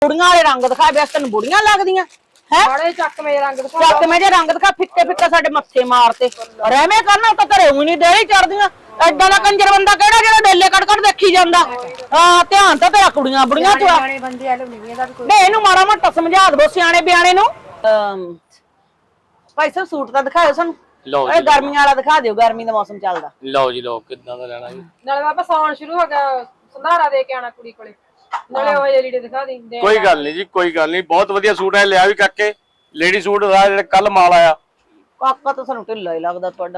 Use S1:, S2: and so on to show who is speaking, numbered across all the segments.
S1: बुढ़िया वाले रंग दिखा बस तेन बुढ़िया लगदियां है
S2: बड़े चकमे रंग दिखा
S1: चकमे जे रंग दिखा फिक्के फिक्के साडे मत्थे मारते और एवें करना तो घरे ऊं नहीं डेली चढ़दियां एडा दा कंजर बंदा केड़ा जेड़ा डेले कट कट देखी जांदा हां ध्यान तो तेरा कुड़ियां बुढ़ियां च
S2: सियाणे बंदे वाले नहीं दा भी कोई
S1: नहीं इनू माड़ा मोटा समझा दो सियाणे बियाणे नु भाई साहब सूट दा दिखाओ सानू
S3: लो
S1: ए गर्मियां वाला दिखा दियो गर्मी दा मौसम चलदा
S3: लो जी लो कितना दा लेना जी
S2: नाले बाबा सावन शुरू हो गया संधारा दे के आना कुड़ी कोले नाले ओ जे लीड़े दिखा दी
S3: कोई गल नहीं जी कोई गल नहीं बहुत वधिया सूट है लिया भी काके लेडी सूट दा जेड़ा कल माल आया
S1: काका तो सानू ढिल्ला ही लगदा तुहाडा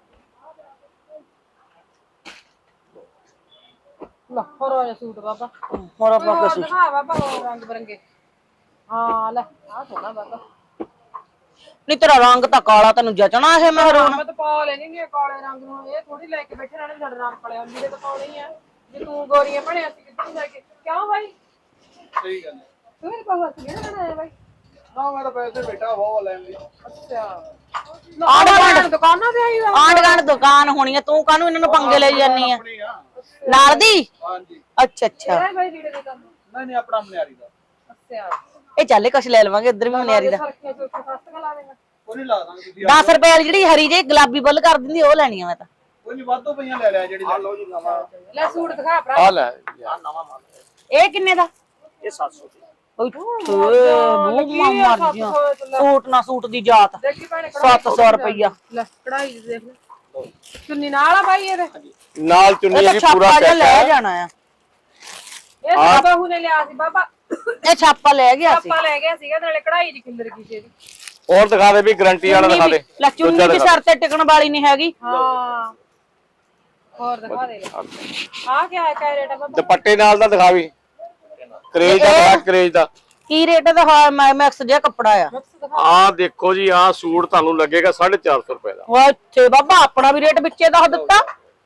S2: लो होरो जे सूट बाबा
S1: मोर आपा के सूट
S2: दिखा बाबा रंग बिरंगे हां ले आ सोना बाबा
S1: नहीं तेरा रंग तो काला तेन जचना है महरून
S2: मैं तो पा लेनी नहीं काले रंग नु ये थोड़ी लेके बैठे रहने साडे रंग काले लीड़े तो पाਉਣੇ ही है जे तू गोरियां बने असि कितनी जाके क्यों भाई
S3: सही गल
S2: तू मेरे पास हंस गया ना भाई
S3: ना मैं तो पैसे बेटा वो लेन दी
S2: अच्छा
S1: आंड
S2: दुकाना पे आई
S1: आंड गांड दुकान होनी है तू कानू इन्हां नु पंगे ले जानी है नाल दी
S3: हां जी
S1: अच्छा अच्छा
S2: है भाई लीड़े दे काम
S3: नहीं नहीं अपना मनियारी दा
S2: अच्छा
S1: ए चल कुछ ले लवांगे इधर भी मनियारी दा
S2: सरखे से सस्ता का ला देगा
S3: कोई नहीं ला ਦਾਂਗੇ ਤੁਸੀਂ
S1: 10 रुपए वाली ਜਿਹੜੀ ਹਰੀ ਜਿਹੀ ਗੁਲਾਬੀ ਬੁੱਲ ਕਰ ਦਿੰਦੀ ਉਹ ਲੈਣੀ ਆ ਮੈਂ ਤਾਂ
S3: ਕੋਈ ਨਹੀਂ ਵਾਧੋ ਪਈਆਂ ਲੈ ਲਿਆ ਜਿਹੜੀ ਆ ਲਓ ਜੀ ਨਵਾਂ
S2: ਲੈ ਸੂਟ ਦਿਖਾ ਭਰਾ
S3: ਆ ਲੈ ਆ ਨਵਾਂ ਮਾਲ
S1: ਇਹ ਕਿੰਨੇ ਦਾ
S3: ਇਹ 700
S1: ਓਏ ਮੂੰਹ ਮਰ ਗਿਆ ਸੂਟ ਨਾ ਸੂਟ ਦੀ ਜਾਤ
S2: ਦੇਖੀ ਭੈਣੇ
S1: 700 ਰੁਪਇਆ
S2: ਲੈ ਕਢਾਈ ਦੇਖ ਲੈ ਚੁੰਨੀ ਨਾਲ ਆ ਬਾਈ ਇਹਦੇ
S3: ਨਾਲ ਚੁੰਨੀ
S1: ਇਹ
S3: ਜੀ
S1: ਤਾਂ
S3: ਪੂਰਾ
S1: ਛਾਪਾ ਜਿਹਾ
S3: ਸੈੱਟ
S1: ਲੈ
S3: ਹੈ
S1: ਜਾਣਾ ਆ
S2: ਇਹ ਤਾਂ ਬਹੂ ਨੇ ਲਿਆ ਸੀ ਬਾਬਾ
S1: ਇਹ ਛਾਪਾ ਲੈ ਗਿਆ ਸੀ
S2: ਆਪਾਂ ਲੈ ਗਿਆ ਸੀਗਾ ਨਾਲੇ ਕਢਾਈ ਦੀ ਖਿੱਲਰ ਗਈ ਸੀ ਇਹਦੀ
S3: और दिखा दे भी गारंटी वाला दिखा दे
S1: ਲੈ ਚੁੰਨੀ ਵੀ ਸਿਰ ਤੇ ਟਿਕਣ ਵਾਲੀ ਨਹੀਂ ਹੈਗੀ
S2: ਹਾਂ ਹੋਰ ਦਿਖਾ ਦੇ ਆ ਕੀ ਹੈ ਕਾ ਰੇਟ ਆ ਬਾਬਾ
S3: दुपट्टे नाल दा दिखा भी क्रेज दा दिखा क्रेज दा
S1: ਕੀ ਰੇਟ ਦਾ ਮੈਕਸ ਜਿਹਾ ਕੱਪੜਾ ਆ
S3: ਆ ਦੇਖੋ ਜੀ ਆ ਸੂਟ ਤੁਹਾਨੂੰ ਲੱਗੇਗਾ 450 ਰੁਪਏ ਦਾ
S1: ਵਾ ਇੱਥੇ ਬਾਬਾ ਆਪਣਾ ਵੀ ਰੇਟ ਵਿੱਚੇ ਦੱਸ ਦਿੱਤਾ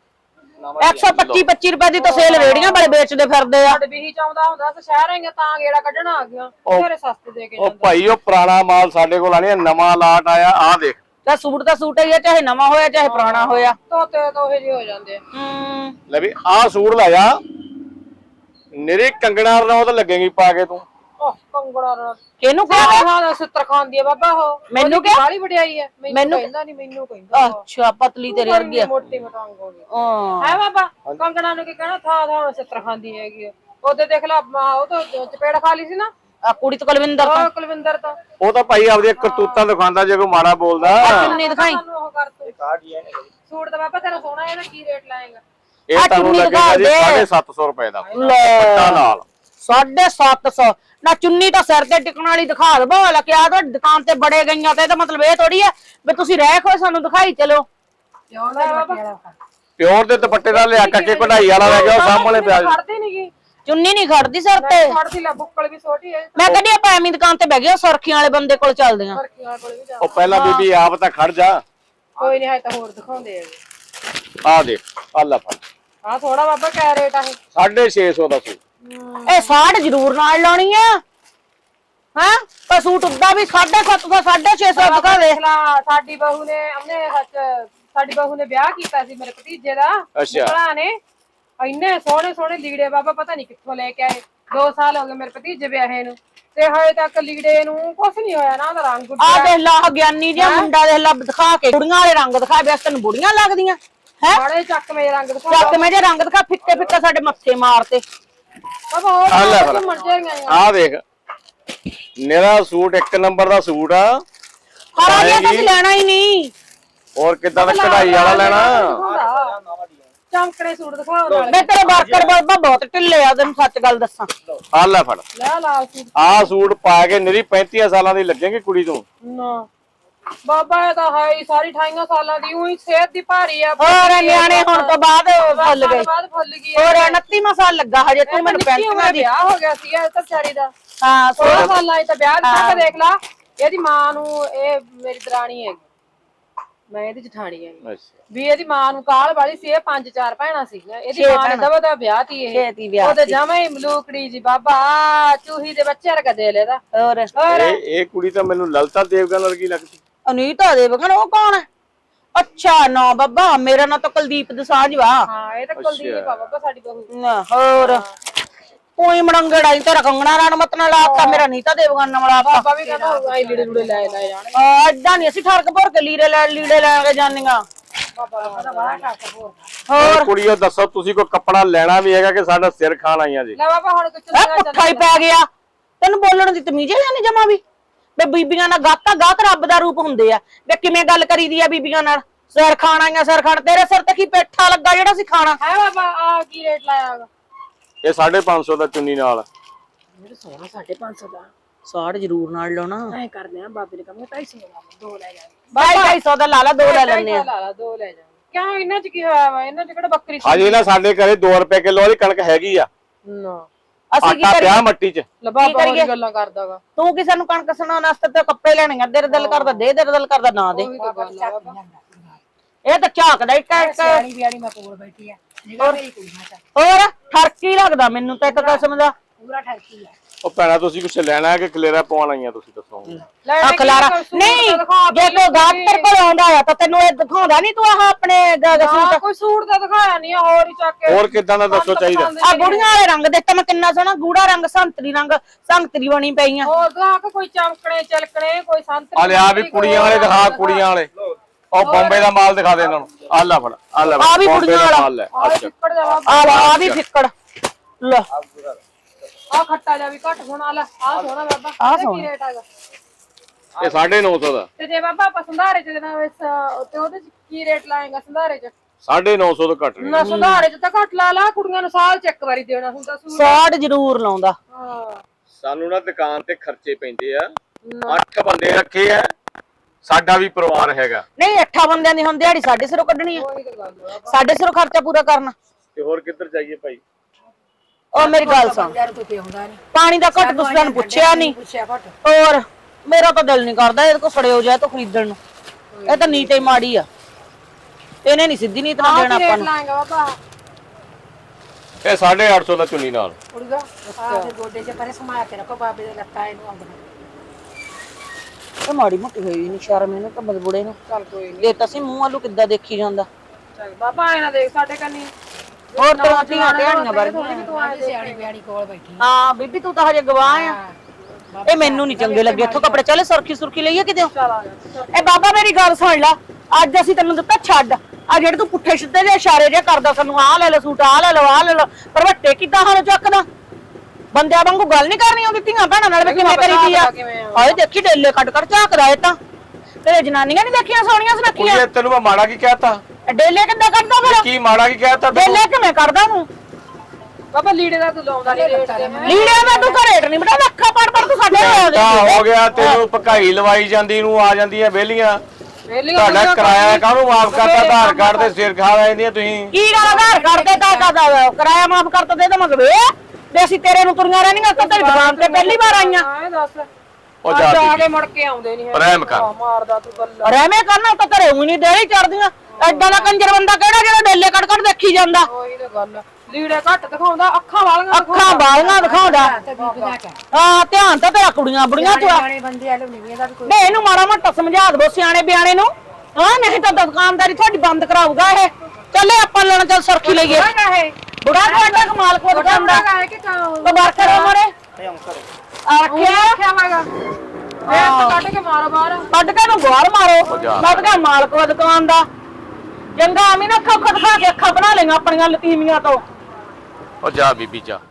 S1: 125 ਰੁਪਏ ਦੀ ਤਾਂ ਸੇਲ ਰੇੜੀਆਂ ਵਾਲੇ ਵੇਚਦੇ ਫਿਰਦੇ ਆ
S2: ਸਾਡੇ ਬੀਹੀ ਚਾਉਂਦਾ ਹੁੰਦਾ ਤੇ ਸ਼ਹਿਰ ਆਏਗਾ ਤਾਂ ਗੇੜਾ ਕੱਢਣਾ ਆ ਗਿਆ ਤੇਰੇ ਸਸਤੇ ਦੇ ਕੇ
S3: ਉਹ ਭਾਈ ਉਹ ਪੁਰਾਣਾ ਮਾਲ ਸਾਡੇ ਕੋਲ ਆਣੀ ਨਵਾਂ ਲਾਟ ਆਇਆ ਆ ਦੇਖ
S1: ਤਾਂ ਸੂਟ ਹੀ ਆ ਚਾਹੇ ਨਵਾਂ ਹੋਇਆ ਚਾਹੇ ਪੁਰਾਣਾ ਹੋਇਆ
S2: ਤੋਤੇ ਤੋਹੇ ਜਿਹੇ ਹੋ ਜਾਂਦੇ ਆ
S3: ਲੈ ਵੀ ਆ ਸੂਟ ਲੈ ਜਾ ਨਿਰੇ ਕੰਗਣਾ ਰਨੌਤ ਲੱਗੇਗੀ ਪਾ ਕੇ ਤੂੰ
S2: ਓਹ ਕੰਗੜਾ ਰ
S1: ਕਿਹਨੂੰ ਕਹਾਂ
S2: ਹਾਂ ਸਿੱਤਰ ਖਾਂਦੀ ਆ ਬਾਬਾ ਉਹ
S1: ਮੈਨੂੰ ਕਿਹਾ?
S2: ਬਾਲੀ ਵਡਿਆਈ ਆ ਮੈਨੂੰ ਕਹਿੰਦਾ ਨਹੀਂ ਮੈਨੂੰ ਕਹਿੰਦਾ
S1: ਅੱਛਾ ਪਤਲੀ ਤੇਰੀ ਵਰਗੀ ਆ
S2: ਮੋਟੀ ਮਟਾਂਗ ਹੋ ਗਈ
S1: ਹਾਂ
S2: ਹੈ ਬਾਬਾ ਕੰਗਣਾ ਨੂੰ ਕੀ ਕਹਿਣਾ ਥਾਂ ਸਿੱਤਰ ਖਾਂਦੀ ਹੈਗੀ ਆ। ਉਹਦੇ ਦੇਖ ਲਾ ਉਹ ਤਾਂ ਚਪੇੜ ਖਾ ਲਈ ਸੀ ਨਾ
S1: ਆ ਕੁੜੀ ਤੋਂ ਕੁਲਵਿੰਦਰ ਤੋਂ
S2: ਉਹ ਕੁਲਵਿੰਦਰ ਤਾਂ
S3: ਉਹ ਤਾਂ ਭਾਈ ਆਪਦੀਆਂ ਕਰਤੂਤਾਂ ਦਿਖਾਉਂਦਾ ਜੇ ਕੋਈ ਮਾੜਾ ਬੋਲਦਾ
S1: ਚੁੰਨੀ ਦਿਖਾਈ
S2: ਸਾਨੂੰ ਉਹ ਕਰ ਤੂੰ ਸੂਟ ਦਾ ਬਾਬਾ ਤੇਰਾ ਸੋਹਣਾ ਹੈ ਨਾ ਕੀ ਰੇਟ ਲਾਏਗਾ
S3: ਇਹ ਤੁਹਾਨੂੰ ਲੱਗੇਗਾ ਜੀ 750 ਰੁਪਏ ਦਾ
S1: ਲੈ
S3: ਪੱਟਾ ਨਾਲ
S1: 750 ਨਾ ਚੁੰਨੀ ਤਾਂ ਸਿਰ ਤੇ ਟਿਕਣ ਵਾਲੀ ਦਿਖਾ ਦਵੋ ਲੈ ਕੇ ਆ ਤਾਂ ਦੁਕਾਨ ਤੇ ਬੜੇ ਗਈਆਂ ਤੇ ਇਹਦਾ ਮਤਲਬ ਇਹ ਥੋੜੀ ਹੈ ਵੀ ਤੁਸੀਂ ਰਹਿ ਖੋ ਸਾਨੂੰ ਦਿਖਾਈ ਚਲੋ
S2: ਕਿਉਂ ਲੈ ਬਾਬਾ
S3: ਪਿਓਰ ਦੇ ਦੁਪੱਟੇ ਦਾ ਲਿਆ ਕੱਕੇ ਕਢਾਈ ਵਾਲਾ ਲੈ ਗਿਆ ਉਹ ਸਾਹਮਣੇ ਪਿਆ
S2: ਖੜਦੀ ਨਹੀਂਗੀ
S1: ਚੁੰਨੀ ਨਹੀਂ ਖੜਦੀ ਸਿਰ ਤੇ
S2: ਖੜਦੀ ਲੈ ਬੁੱਕਲ ਵੀ ਛੋਟੀ ਹੈ
S1: ਮੈਂ ਕਹਿੰਦੀ ਆਪਾਂ ਐਵੇਂ ਦੁਕਾਨ ਤੇ ਬਹਿ ਗਏ ਸੁਰਖੀਆਂ ਵਾਲੇ ਬੰਦੇ ਕੋਲ ਚੱਲਦੇ ਆਂ
S2: ਸਰਕੀਆਂ ਕੋਲ ਵੀ ਜਾ
S3: ਉਹ ਪਹਿਲਾਂ ਬੀਬੀ ਆਪ ਤਾਂ ਖੜ ਜਾ
S2: ਕੋਈ ਨਹੀਂ ਹੈ ਤਾਂ ਹੋਰ ਦਿਖਾਉਂਦੇ ਆ
S3: ਆ ਦੇਖ ਆ ਲੈ ਫੜ
S2: ਆ ਥੋੜਾ ਬਾਬਾ ਕਿਆ ਰੇਟ ਆ ਇਹ
S3: 650 ਦਾ ਸੂਟ
S1: ਇਹ ਸਾੜ ਜ਼ਰੂਰ ਨਾਲ ਲਾਉਣੀ ਆ ਹਾਂ ਪਰ ਸੂਟ ਉੱਦਾਂ ਵੀ 750 650 ਦਿਖਾ ਦੇ
S2: ਦੇਖ ਲਾ ਸਾਡੀ ਬਹੂ ਨੇ ਉਹਨੇ ਸਾਡੀ ਬਹੂ ਨੇ ਵਿਆਹ ਕੀਤਾ ਸੀ ਮੇਰੇ ਭਤੀਜੇ ਦਾ
S3: ਅੱਛਾ
S2: ਭਰਾ ਨੇ ਇੰਨੇ ਸੋਹਣੇ ਸੋਹਣੇ ਲੀੜੇ ਬਾਬਾ ਪਤਾ ਨਹੀਂ ਕਿੱਥੋਂ ਲੈ ਕੇ ਆਏ 2 ਸਾਲ ਹੋ ਗਏ ਮੇਰੇ ਭਤੀਜੇ ਵਿਆਹੇ ਨੂੰ ਤੇ ਹਜੇ ਤੱਕ ਲੀੜੇ ਨੂੰ ਕੁਛ ਨਹੀਂ ਹੋਇਆ ਨਾ ਉਹਦਾ ਰੰਗ
S1: ਆ ਦੇਖ ਲਾ ਗਿਆਨੀ ਜਿਹਾ ਮੁੰਡਾ ਦੇਖ ਲਾ ਦਿਖਾ ਕੇ ਕੁੜੀਆਂ ਵਾਲੇ ਰੰਗ ਦਿਖਾ ਬਸ ਤੈਨੂੰ ਬੁੜੀਆਂ ਲੱਗਦੀਆਂ ਹੈ
S2: ਬੜੇ ਚੱਕਵੇਂ ਰੰਗ ਦਿਖਾ
S1: ਚੱਕ ਮੈਂ ਜੇ ਰੰਗ ਦਿਖਾ ਫਿੱਕੇ ਫਿੱਕੇ ਸਾਡੇ ਮੱਥੇ ਮਾਰਤੇ
S2: ਬਾਬਾ
S3: ਆ ਲੈ
S2: ਹੋਰ
S3: ਫਿਰ।
S2: ਮਰ ਜਾਏਗਾ
S3: ਆ ਦੇਖ ਮੇਰਾ ਸੂਟ 1 ਨੰਬਰ ਦਾ ਸੂਟ ਆ
S1: ਹਰਾ ਜਿਹਾ ਤਾਂ ਅਸੀਂ ਲੈਣਾ ਹੀ ਨਹੀਂ
S3: ਹੋਰ ਕਿੱਦਾਂ ਦਾ ਕਢਾਈ ਵਾਲਾ ਲੈਣਾ
S2: ਚਮਕੜੇ ਸੂਟ ਦਿਖਾਓ ਨਾਲ
S1: ਮੈਂ ਤੇਰੇ ਵਰਕਰ ਬਾਬਾ ਬਹੁਤ ਢਿੱਲੇ ਆ ਤੈਨੂੰ ਸੱਚ ਗੱਲ ਦੱਸਾਂ
S3: ਆ ਲੈ ਫੜ
S2: ਲੈ ਲਾਲ ਸੂਟ
S3: ਆ ਸੂਟ ਪਾ ਕੇ ਨਿਰੀ 35 ਸਾਲਾਂ ਦੀ ਲੱਗੇਗੀ ਕੁੜੀ ਤੂੰ
S2: ਨਾ ਬਾਬਾ ਇਹ ਤਾਂ ਹੈ ਹੀ ਸਾਰੀ 28 ਸਾਲਾਂ ਦੀ ਉਹੀ ਸਿਹਤ ਦੀ ਭਾਰੀ ਆ
S1: ਹੋਰ ਨਿਆਣੇ ਹੁਣ ਤੋਂ ਬਾਅਦ ਫੁੱਲ ਗਏ
S2: ਬਾਅਦ ਫੁੱਲ ਗਈ
S1: ਹੋਰ 29ਵਾਂ ਸਾਲ ਲੱਗਾ ਹਜੇ ਤੂੰ ਮੈਨੂੰ ਪੈਂਟੀਆਂ ਦੀ
S2: ਵਿਆਹ ਹੋ ਗਿਆ ਸੀ ਇਹ ਤਾਂ ਵਿਚਾਰੀ ਦਾ
S1: ਹਾਂ
S2: 16 ਸਾਲਾਂ ਚ ਵਿਆਹ ਤੱਕ ਦੇਖ ਲਾ ਇਹਦੀ ਮਾਂ ਨੂੰ ਇਹ ਮੇਰੀ ਦਰਾਣੀ ਹੈਗੀ ਮੈਂ ਇਹਦੀ ਜਠਾਣੀ ਹੈਗੀ
S3: ਅੱਛਾ
S2: ਵੀ ਇਹਦੀ ਮਾਂ ਨੂੰ ਕਾਲ ਵਾਲੀ ਸੀ ਇਹ 5-4 ਭੈਣਾਂ ਸੀਗੀਆਂ ਇਹਦੀ ਮਾਂ ਨੇ ਦਵਾ ਦਾ ਵਿਆਹ ਤੀ ਇਹ
S1: ਛੇਤੀ ਵਿਆਹ
S2: ਉਹਦੇ ਜਮਾ ਹੀ ਮਲੂਕੜੀ ਜੀ ਬਾਬਾ ਚੂਹੀ ਦੇ ਬੱਚੇ ਵਰਗਾ ਦੇ ਲੈਦਾ
S1: ਹੋਰ
S3: ਇਹ ਕੁੜੀ ਤਾਂ ਮੈਨੂੰ ਲਲਤਾ ਦੇਵਗਨ ਵਰਗੀ ਲੱਗਦੀ
S1: ਅਨੀਤਾ ਦੇਵਗਨ ਉਹ ਕੌਣ ਹੈ ਅੱਛਾ ਨਾ ਬਾਬਾ ਮੇਰਾ ਨਾਂ ਤਾਂ ਕੁਲਦੀਪ ਦਸਾਂਝ ਵਾ
S2: ਹਾਂ ਇਹ ਤਾਂ ਕੁਲਦੀਪ ਆ ਬਾਬਾ ਸਾਡੀ ਬਹੂ
S1: ਨਾ ਹੋਰ ਕੋਈ ਮੜੰਗੜਾ ਹੀ ਤੇਰਾ ਕੰਗਣਾ ਰਾਣਮਤ ਨਾਲ ਲਾਤਾ ਮੇਰਾ ਨੀਤਾ ਦੇਵਗਨ ਨਾਲ ਲਾਤਾ
S2: ਬਾਬਾ ਵੀ ਕਹਿੰਦਾ ਹੋਊਗਾ ਇਹ ਲੀੜੇ ਲੂੜੇ ਲੈ ਜਾਣੇ
S1: ਐਦਾਂ ਨਹੀਂ ਅਸੀਂ ਠਰਕ ਭਰ ਕੇ ਲੀੜੇ ਲੈ ਕੇ ਜਾਂਦੀਆਂ
S2: ਬਾਬਾ ਕਹਿੰਦਾ ਬਾਹਰ ਠੱਕ ਹੋਰ
S1: ਹੋਰ
S3: ਕੁੜੀਓ ਦੱਸੋ ਤੁਸੀਂ ਕੋਈ ਕੱਪੜਾ ਲੈਣਾ ਵੀ ਹੈਗਾ ਕਿ ਸਾਡਾ ਸਿਰ ਖਾਣ ਆਈਆਂ ਜੀ?
S2: ਲੈ ਬਾਬਾ ਹੁਣ ਕੁਝ
S1: ਇਹ ਪੁੱਠਾ ਹੀ ਪੈ ਗਿਆ ਤੈਨੂੰ ਬੋਲਣ ਦੀ ਤਮੀਜ਼ ਨਹੀਂ ਜਮਾ ਵੀ ਵੇ ਬੀਬੀਆਂ ਨਾਲ ਗਾਤ ਰੱਬ ਦਾ ਰੂਪ ਹੁੰਦੇ ਆ ਵੇ ਕਿਵੇਂ ਗੱਲ ਕਰੀਦੀ ਆ ਬੀਬੀਆਂ ਨਾਲ ਸਿਰ ਖਾਣ ਆਈਆਂ ਸਿਰ ਖਾਣ ਤੇਰੇ ਸਿਰ ਤੇ ਕੀ ਪੇਠਾ ਲੱਗਾ ਜਿਹੜਾ ਸੀ ਖਾਣਾ
S2: ਹੈ ਬਾਬਾ ਆ ਕੀ ਰੇਟ ਲਾਇਆਗਾ
S3: ਇਹ 550 ਦਾ ਚੁੰਨੀ ਨਾਲ
S2: ਮੇਰੇ ਸੋਹਣਾ 550 ਦਾ
S1: ਸਾੜ ਜ਼ਰੂਰ ਨਾਲ ਲਾਉਣਾ
S2: ਐ ਕਰਦੇ ਆ ਬਾਬੇ ਨੇ ਕਹਿੰਦਾ 250 ਦਾ ਦੋ ਲੈ ਜਾਣੇ
S1: 250 ਦਾ ਲਾ ਲਾ ਦੋ ਲੈ ਲੈਣੇ ਆ
S2: ਲਾ ਲਾ ਦੋ ਲੈ ਜਾਣੇ ਕਿਉਂ ਇਹਨਾਂ ਚ ਕੀ ਹੋਇਆ ਵਾ ਇਹਨਾਂ ਚ ਕਿਹੜਾ ਬੱਕਰੀ
S3: ਅਜੇ ਨਾ ਸਾਡੇ ਘਰੇ 2 ਰੁਪਏ ਕਿਲੋ ਵਾਲੀ ਕਣਕ ਹੈਗੀ ਆ।
S2: ਨਾ
S1: ਅਸੀਂ ਕੀ
S3: ਆਟਾ
S1: ਕਰੀਏ
S3: ਪਿਆ ਮੱਟੀ 'ਚ।
S2: ਲੈ ਬਾਬਾ ਹੋਰ ਗੱਲਾਂ ਕਰਦਾਗਾ
S1: ਤੂੰ ਕਿਸੇ ਨੂੰ ਕਣਕ ਸੁਣਾਉਣ ਵਾਸਤੇ ਤੇ ਕੱਪੜੇ ਲੈਣੇ ਆ ਤੇਰੇ ਦਿਲ ਕਰਦਾ ਦੇ ਤੇਰੇ ਦਿਲ ਕਰਦਾ ਨਾ ਦੇ
S2: ਉਹੀ ਤਾਂ ਗੱਲ ਆ ਬਾਬਾ
S1: ਇਹ ਤਾਂ ਝਾਕਦਾ ਇੱਕ
S2: ਸਿਆਣੀ ਬਿਆਣੀ ਮੈਂ ਕੋਲ ਬੈਠੀ ਆ ਨਿਗਾਹ ਮੇਰੀ ਕੁੜੀਆਂ ਚ
S1: ਹੋਰ ਠਰਕੀ ਲੱਗਦਾ ਮੈਨੂੰ ਤਾਂ ਇੱਕ ਕਿਸਮ ਦਾ
S2: ਪੂਰਾ ਠੱਕੀ ਆ
S3: ਉਹ ਭੈਣਾ ਤੁਸੀਂ ਕੁਛ ਲੈਣਾ ਹੈ ਕਿ ਖਲੇਰਾ ਪਵਾਉਣ ਆਈਆਂ ਤੁਸੀਂ ਦੱਸੋ?
S1: ਆ ਖਲਾਰਾ ਨਹੀਂ ਜੇ ਕੋਈ ਗਾਹਕ ਤੇਰੇ ਕੋਲ ਆਉਂਦਾ ਆ ਤਾਂ ਤੈਨੂੰ ਇਹ ਦਿਖਾਉਂਦਾ ਨਹੀਂ ਤੂੰ ਆਹ ਆਪਣੇ
S2: ਸੂਟ ਕੋਈ ਸੂਟ ਤਾਂ ਦਿਖਾਇਆ ਨਹੀਂ ਹੋਰ ਹੀ ਚੱਕ ਕੇ
S3: ਹੋਰ ਕਿੱਦਾਂ ਦਾ ਦੱਸੋ ਚਾਹੀਦਾ?
S1: ਆ ਬੁੜੀਆਂ ਵਾਲੇ ਰੰਗ ਦੇਖ ਮੈਂ ਕਿੰਨਾ ਸੋਹਣਾ ਗੂੜਾ ਰੰਗ ਸੰਤਰੀ ਬਣੀ ਪਈਆਂ
S2: ਹੋਰ ਦਿਖਾ ਕੋਈ ਚਮਕਣੇ ਚਲਕਣੇ ਕੋਈ ਸੰਤਰੀ
S3: ਆ ਲਿਆ ਵੀ ਕੁੜੀਆਂ ਵਾਲੇ ਦਿਖਾ ਕੁੜੀਆਂ ਵਾਲੇ ਉਹ ਬੰਬੇ ਦਾ ਮਾਲ ਦਿਖਾ ਦੇ ਇਹਨਾਂ ਨੂੰ ਆ ਲੈ ਫੜ ਆ ਲੈ
S1: ਆ ਵੀ
S3: ਬੰਬੇ
S1: ਕੁੜੀਆਂ
S3: ਦਾ
S1: ਵਾਲਾ।
S3: ਮਾਲ ਲੈ
S2: ਆ ਚਿੱਕੜ ਜਾ ਬਾਬਾ
S1: ਆ ਲਾ ਆ ਵੀ ਫਿੱਕੜ ਲੈ
S2: ਆ ਖੱਟਾ ਜਾ ਵੀ ਘੱਟ ਹੋਣਾ ਲੈ ਆ ਸੋਹਣਾ ਬਾਬਾ
S1: ਆਹ
S2: ਇਹਦਾ ਕੀ ਰੇਟ ਹੈਗਾ
S3: ਇਹ 950 ਦਾ
S2: ਤੇ ਜੇ ਬਾਬਾ ਆਪਾਂ ਸੰਧਾਰੇ ਚ ਦੇਣਾ ਤੇ ਉਹਦੇ ਚ ਕੀ ਰੇਟ ਲਾਏਗਾ ਸੰਧਾਰੇ ਚ
S3: 950 ਤੋਂ ਘੱਟ ਨਹੀਂ।
S2: ਨਾ ਸੰਧਾਰੇ ਚ ਤਾਂ ਘੱਟ ਲਾ ਲਾ ਕੁੜੀਆਂ ਨੂੰ ਸਾਲ ਚ ਇੱਕ ਵਾਰੀ ਦੇਣਾ ਹੁੰਦਾ ਸੂਟ
S1: ਸਾੜ ਜ਼ਰੂਰ ਲਾਉਂਦਾ
S2: ਹਾਂ
S3: ਸਾਨੂੰ ਨਾ ਦੁਕਾਨ ਤੇ ਖਰਚੇ ਪੈਂਦੇ ਆ 8 ਬੰਦੇ ਰੱਖੇ ਆ ਸਾਡਾ ਵੀ ਪਰਿਵਾਰ ਹੈਗਾ
S1: ਨਹੀਂ 8 ਬੰਦਿਆਂ ਦੀ ਹੁਣ ਦਿਹਾੜੀ ਸਾਡੇ ਸਿਰੋਂ ਕੱਢਣੀ ਆ
S2: ਉਹੀ ਤਾਂ ਗੱਲ ਆ
S1: ਸਾਡੇ ਸਿਰੋਂ ਖਰਚਾ ਪੂਰਾ ਕਰਨਾ
S3: ਤੇ ਹੋਰ ਕਿੱਧਰ ਜਾਈਏ ਭਾਈ?
S1: ਉਹ ਮੇਰੀ ਗੱਲ ਸੁਣ ਪਾਣੀ ਦਾ ਘੱਟ ਤੁਸੀਂ ਸਾਨੂੰ ਪੁੱਛਿਆ ਨਹੀਂ ਹੋਰ ਮੇਰਾ ਤਾਂ ਦਿਲ ਨਹੀਂ ਕਰਦਾ ਇਹਦੇ ਕੋ ਸੜਿਓ ਜਾਏ ਤਾਂ ਖਰੀਦਣ ਨੂੰ ਇਹ ਤਾਂ ਨੀਤ ਹੀ ਮਾੜੀ ਆ ਇਹਨੇ ਨਹੀਂ ਸਿੱਧੀ ਨੀਤ ਨਾਲ ਦੇਣਾ ਆਪਾਂ
S2: ਰੇਟ
S1: ਨੂੰ
S2: ਲਾਏਗਾ ਬਾਬਾ
S3: ਇਹ 850 ਦਾ ਚੁੰਨੀ ਨਾਲ
S2: ਉੜਗਾ ਆ ਤੇ ਗੋਡੇ 'ਚ ਪਰੇ ਸਮਾਇਆ ਕੇ ਰੱਖੋ ਬਾਬੇ ਦੇ ਲੱਤਾਂ ਇਹਨੂੰ ਆਉਂਦਾ
S1: ਇਹ ਮਾੜੀ ਮੋਟੀ ਹੋਈ ਨਹੀਂ ਸ਼ਰਮ ਇਹਨੂੰ ਤਾਂ ਬੁੜੇ ਨੂੰ
S2: ਚੱਲ ਕੋਈ ਨਹੀਂ
S1: ਇਹ ਤਾਂ ਸੀ ਮੂੰਹ ਵਾਲੂ ਕਿੱਦਾਂ ਦੇਖੀ ਜਾਂਦਾ
S2: ਚੱਲ ਬਾਬਾ ਐ ਨਾ ਦੇਖ ਸਾਡੇ ਕੰਨੀ
S1: ਹੋਰ ਤੇਰੀਆਂ ਧੀਆਂ ਢਿਆਣੀਆਂ ਵਰਗੀਆਂ
S2: ਤੂੰ ਆ ਸਿਆਣੀ ਬਿਆਣੀ ਕੋਲ ਬੈਠੀ
S1: ਹਾਂ ਬੀਬੀ ਤੂੰ ਤਾਂ ਹਜੇ ਗਵਾਹ ਆ ਇਹ ਮੈਨੂੰ ਨਹੀਂ ਚੰਗੇ ਲੱਗੇ ਇੱਥੋਂ ਕੱਪੜੇ ਚੱਲ ਸੁਰਖੀ ਲਈਏ ਕਿਤੇ
S2: ਚੱਲ ਆ ਜਾ
S1: ਇਹ ਬਾਬਾ ਮੇਰੀ ਗੱਲ ਸੁਣ ਲੈ ਅੱਜ ਅਸੀਂ ਤੈਨੂੰ ਦਿੱਤਾ ਛੱਡ ਆ ਜਿਹੜੇ ਤੂੰ ਪੁੱਠੇ ਸਿੱਧੇ ਦੇ ਇਸ਼ਾਰੇ ਜੇ ਕਰਦਾ ਸਾਨੂੰ ਆਹ ਲੈ ਲੈ ਸੂਟ ਆਹ ਲੈ ਲਓ ਪਰ ਵੱਟੇ ਕਿੱਦਾਂ ਹਾਲ ਚੱਕਦਾ ਬੰਦਿਆਂ ਵਾਂਗੂ ਗੱਲ ਨਹੀਂ ਕਰਨੀ ਉਹਦੀ ਧੀਆਂ ਭੈਣਾਂ ਨਾਲ ਵੀ ਕਿਵੇਂ ਕਰੀਦੀ ਆ ਹਾਏ ਦੇਖੀ ਡੇਲੇ ਕੱਟ ਝਾਕਦਾ ਇਹ ਤਾਂ ਤੇਰੇ ਜਨਾਨੀਆਂ ਨਹੀਂ ਦੇਖੀਆਂ ਸੋਹਣੀਆਂ ਸੁਨੱਖੀਆਂ
S3: ਕੁੜੀਏ ਤੈਨੂੰ ਮੈਂ ਮਾੜਾ ਕੀ ਕਹਿਤਾ?
S1: ਡੇਲੇ ਕਿੱਦਾਂ ਕੱਢਦਾ ਫਿਰ
S3: ਕੀ ਮਾੜਾ ਕੀ ਕਹਿਤਾ?
S1: ਡੇਲੇ ਕਿਵੇਂ ਕਰਦਾ ਤੂੰ
S2: ਬਾਬਾ ਲੀੜੇ ਦਾ ਤੂੰ ਲਾਉਂਦਾ ਨਹੀਂ ਰੇਟ
S1: ਲੀੜਿਆਂ ਦਾ ਤੂੰ ਘਰੇਟ ਨਹੀਂ ਬਟਾ ਅੱਖਾਂ ਪੜ ਤੂੰ ਸਾਡੇ
S3: ਤਾਂ ਹੋ ਗਿਆ ਤੈਨੂੰ ਭਕਾਈ ਲਵਾਈ ਜਾਂਦੀ ਨੂੰ ਆ ਜਾਂਦੀਆਂ ਵਿਹਲੀਆਂ ਤੁਹਾਡਾ ਕਿਰਾਇਆ ਕਾਹਨੂੰ ਮਾਫ ਕਰਤਾ? ਆਧਾਰ ਕਾਰਡ ਤੇ ਸਿਰ ਖਾ ਲੈਂਦੀਆਂ ਤੁਸੀਂ।
S1: ਕੀ ਗੱਲ ਆਧਾਰ ਕਾਰਡ ਤੇ ਤਾਂ ਕਿਰਾਇਆ ਮਾਫ ਕਰਤਾ ਦੇ ਤਾਂ ਮਤਲਬ ਇਹ ਅਸੀਂ ਤੇਰੇ ਨੂੰ ਤੁਰੀਆਂ ਰਹਿਣੀਆਂ ਤਾਂ ਤੇਰੀ ਦੁਕਾਨ ਤੇ ਪਹਿਲੀ ਵਾਰ ਆਈਆਂ
S2: ਹਾਂ ਦੱਸ
S3: ਉਹ
S2: ਜਾ
S3: ਜਾ
S2: ਕੇ ਮੁੜ ਕੇ ਆਉਂਦੇ ਨਹੀਂ
S3: ਰਹਿਮ ਕਰ।
S2: ਮਾਰਦਾ ਤੂੰ ਗੱਲਾਂ
S1: ਰਹਿਮੇ ਕਰਨਾ ਤਾਂ ਘਰੇ ਉਹੀ ਨਹੀਂ ਦੇੜੀ ਚੜਦੀਆਂ ਐਡਾ ਦਾ ਕੰਜਰ ਬੰਦਾ ਕਿਹੜਾ ਜਿਹੜਾ ਡੇਲੇ ਕੱਢ ਦੇਖੀ ਜਾਂਦਾ
S2: ਉਹੀ ਤਾਂ ਗੱਲ ਲੀੜੇ ਘੱਟ ਦਿਖਾਉਂਦਾ ਅੱਖਾਂ ਵਾਲੀਆਂ
S1: ਅੱਖਾਂ ਬਾਲੀਆਂ ਦਿਖਾਉਂਦਾ ਹਾਂ ਧਿਆਨ ਤਾਂ ਤੇਰਾ ਕੁੜੀਆਂ ਬੁੜੀਆਂ ਚ ਆ
S2: ਬੰਦੇ ਆ ਲੋਨੀ ਇਹਦਾ ਵੀ ਕੋਈ
S1: ਨਹੀਂ ਇਹਨੂੰ ਮਾੜਾ ਮੋਟਾ ਸਮਝਾ ਦੋ ਸਿਆਣੇ ਬਿਆਣੇ ਨੂੰ ਹਾਂ ਨਹੀਂ ਤਾਂ ਦੁਕਾਨਦਾਰੀ ਤੁਹਾਡੀ ਬੰਦ ਕਰਾਊਗਾ ਇਹ ਚੱਲੇ ਆਪਾਂ ਲੈਣਾ ਚੱਲ ਸਰਖੀ ਲਈਏ ਬੁੜਾ ਤੁਹਾਡਾ ਕਮਾਲ ਕੋ ਦੁਕਾਨਦਾ
S2: ਹੈ ਕਿ
S1: ਕਬਾਰ ਕਰੋ ਮੋਰੇ ਆਖਿਆ
S2: ਵਾਗਾ ਇਹ ਕੱਢ ਕੇ ਮਾਰੋ ਬਾਹਰ
S1: ਕੱਢ ਕੇ ਨੂੰ ਗਵਾਰ ਮਾਰੋ ਮੈਂ ਤਾਂ ਮਾਲਕ ਵਾ ਦੁਕਾਨ ਦਾ ਚੰਗਾ ਐਵੇਂ ਨਾ ਅੱਖਾਂ ਖੜਖਾ ਕੇ ਅੱਖਾਂ ਬਣਾ ਲਈਆਂ ਆਪਣੀਆਂ ਲਤੀਮੀਆਂ ਤੋਂ
S3: ਉਹ ਜਾ ਬੀਬੀ ਜਾ।